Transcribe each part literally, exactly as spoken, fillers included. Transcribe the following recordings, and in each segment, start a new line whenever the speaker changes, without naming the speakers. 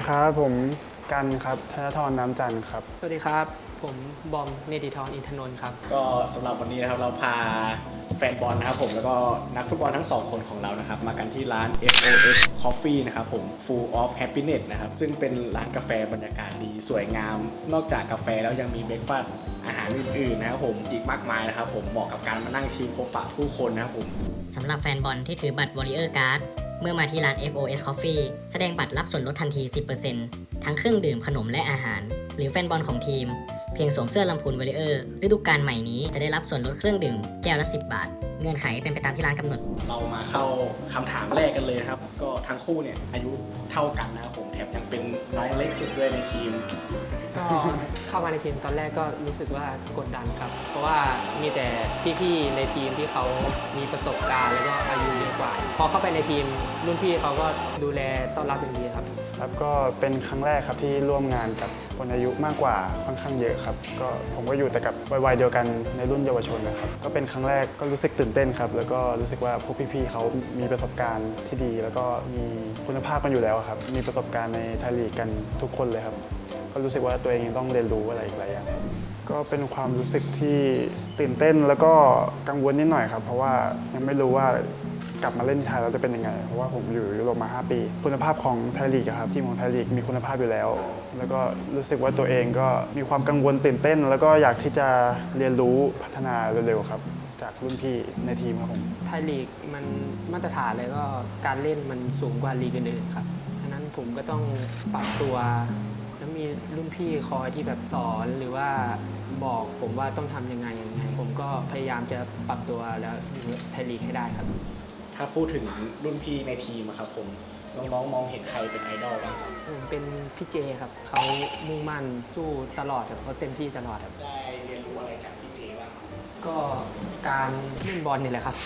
ครับผมกันครับธนทรน้ำจันทร์ครับ
สวัสดีครับผมบอมเนติธรอินทนนท์ครับ
ก็สำหรับวันนี้นะครับเราพาแฟนบอลนะครับผมแล้วก็นักฟุตบอลทั้งสองคนของเรานะครับมากันที่ร้าน เอฟ โอ เอส Coffee นะครับผม Full of Happiness นะครับซึ่งเป็นร้านกาแฟบรรยากาศดีสวยงามนอกจากกาแฟแล้วยังมีเบรกฟาสต์อาหารอื่นๆนะครับผมอีกมากมายนะครับผมเหมาะกับการมานั่งชิลพบปะผู้คนนะครับผม
สำหรับแฟนบอลที่ถือบัตร Warrior Card เมื่อมาที่ร้าน เอฟ โอ เอส Coffee แสดงบัตรรับส่วนลดทันที สิบเปอร์เซ็นต์ ทั้งเครื่องดื่มขนมและอาหารหรือแฟนบอลของทีมเพียงสวมเสื้อลำพูน Warrior ฤดูกาลใหม่นี้จะได้รับส่วนลดเครื่องดื่มแก้วละสิบบาทเงื่อนไขเป็นไปตามที่ร้านกำหนด
เรามาเข้าคำถามแรกกันเลยครับก็ทั้งคู่เนี่ยอายุเท่ากันนะครับผมแถมยังเป็นน้องเล็กสุดด้วยในทีม
ก็เข้ามาในทีมตอนแรกก็รู้สึกว่ากดดันครับเพราะว่ามีแต่พี่ๆในทีมที่เขามีประสบการณ์แล้วก็อายุเยอะกว่าพอเข้าไปในทีมรุ่นพี่เขาก็ดูแลต้อนรับอย่างดีครับ
ครับก็เป็นครั้งแรกครับที่ร่วมงานกับคนอายุมากกว่าค่อนข้างเยอะครับก็ผมก็อยู่แต่กับวัยเดียวกันในรุ่นเยาวชนนะครับก็เป็นครั้งแรกก็รู้สึกตื่นเต้นครับแล้วก็รู้สึกว่าพวกพี่ๆเขามีประสบการณ์ที่ดีแล้วก็มีคุณภาพกันอยู่แล้วครับมีประสบการณ์ในไทยลีกกันทุกคนเลยครับก็รู้สึกว่าตัวเองยังต้องเรียนรู้อะไรอีกหลายอย่างก็เป็นความรู้สึกที่ตื่นเต้นแล้วก็กังวลนิดหน่อยครับเพราะว่ายังไม่รู้ว่ากลับมาเล่นไทยแล้วจะเป็นยังไงเพราะว่าผมอยู่ยุโรปมาห้าปีคุณภาพของไทยลีกครับทีมของไทยลีกมีคุณภาพอยู่แล้วแล้วก็รู้สึกว่าตัวเองก็มีความกังวลตื่นเต้นแล้วก็อยากที่จะเรียนรู้พัฒนาเร็วๆครับจากรุ่นพี่ในทีมครับผม
ไทยลีกมันมาตรฐานเลยก็การเล่นมันสูงกว่าลีกอื่นๆครับฉะนั้นผมก็ต้องปรับตัวแล้วมีรุ่นพี่คอยที่แบบสอนหรือว่าบอกผมว่าต้องทำยังไงยังไงผมก็พยายามจะปรับตัวแล้วอยู่ไทยลีกให้ได้ครับ
ถ้าพูดถึงรุ่นพี่ในทีมครับผมน้องๆมองเห็นใครเป็นไอดอลบ้างครับ
ผมเป็นพี่เจครับเขามุ่งมั่นสู้ตลอดครับเขาเต็มที่ตลอดครับ
ได้เรียนรู้อะไรจากพี่เจบ้าง
ก็การเล่นบอลนี่แหละครับ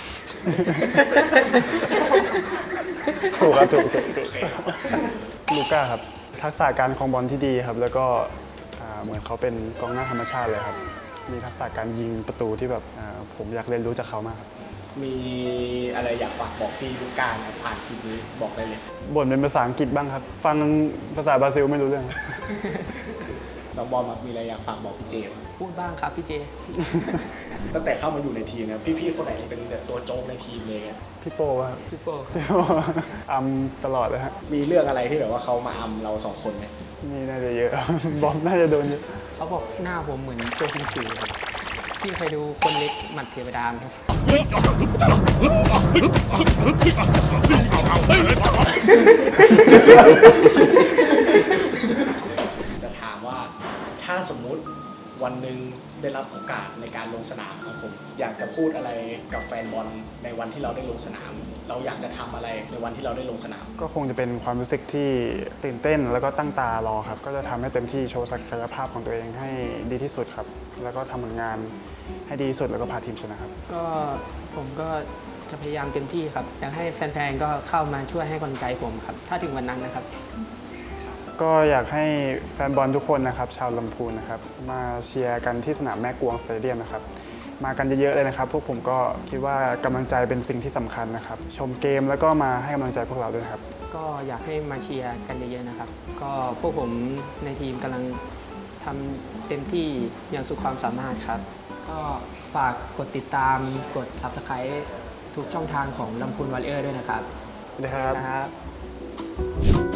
ถูกครับถูกถูกถูกลูก้าครับทักษะการครองบอลที่ดีครับแล้วก็เหมือนเขาเป็นกองหน้าธรรมชาติเลยครับมีทักษะการยิงประตูที่แบบผมอยากเรียนรู้จากเขามากครับ
มีอะไรอยากฝากบอกพี่ลูก้าผ่านคลิปนี้บอกได้เลย
บ่นเป็นภาษาอังกฤษบ้างครับฟังภาษาบราซิลไม่รู้เรื่อง
น้องบอลมีอะไรอยากฝากบอกพี่เจม
พูดบ้างครับพี่เจ
ตั้งแต่เข้ามาอยู่ในทีมนะพี่ๆคนไหนเป็นตัวโจ๊กในทีมเลย
พี่โป้ครับ
พี่โป้
อัมตลอดเลยฮะ
มีเรื่องอะไรที่แบบว่าเขามาอัมเราสองคนไหม
นี่น่าจะเยอะบอมน่าจะโดนเยอะ
เขาบอกหน้าผมเหมือนโจคิงซูครับพี่เคยดูคนเล็กหมัดเทวดาไหมครับ
จะถามว่าถ้าสมมุติวันหนึ่งได้รับโอกาสในการลงสนามครับผมอยากจะพูดอะไรกับแฟนบอลในวันที่เราได้ลงสนามเราอยากจะทำอะไรในวันที่เราได้ลงสนาม
ก็คงจะเป็นความรู้สึกที่ตื่นเต้นแล้วก็ตั้งตารอครับก็จะทำให้เต็มที่โชว์ศักยภาพของตัวเองให้ดีที่สุดครับแล้วก็ทำผลงานให้ดีที่สุดแล้วก็พาทีมชนะครับ
ก็ผมก็จะพยายามเต็มที่ครับอยากให้แฟนๆก็เข้ามาช่วยให้กำลังใจผมครับถ้าถึงวันนั้นนะครับ
ก็อยากให้แฟนบอลทุกคนนะครับชาวลำพูนนะครับมาเชียร์กันที่สนามแม่กวงสเตเดียมนะครับมากันเยอะๆเลยนะครับพวกผมก็คิดว่ากำลังใจเป็นสิ่งที่สำคัญนะครับชมเกมแล้วก็มาให้กำลังใจพวกเราด้วยครับ
ก็อยากให้มาเชียร์กันเยอะๆนะครับก็พวกผมในทีมกำลังทำเต็มที่อย่างสุดความสามารถครับก็ฝากกดติดตามกด ซับสไครบ์ ทุกช่องทางของลำพูนวอริเออร์ด้วยนะครับ
สวัสดีครับ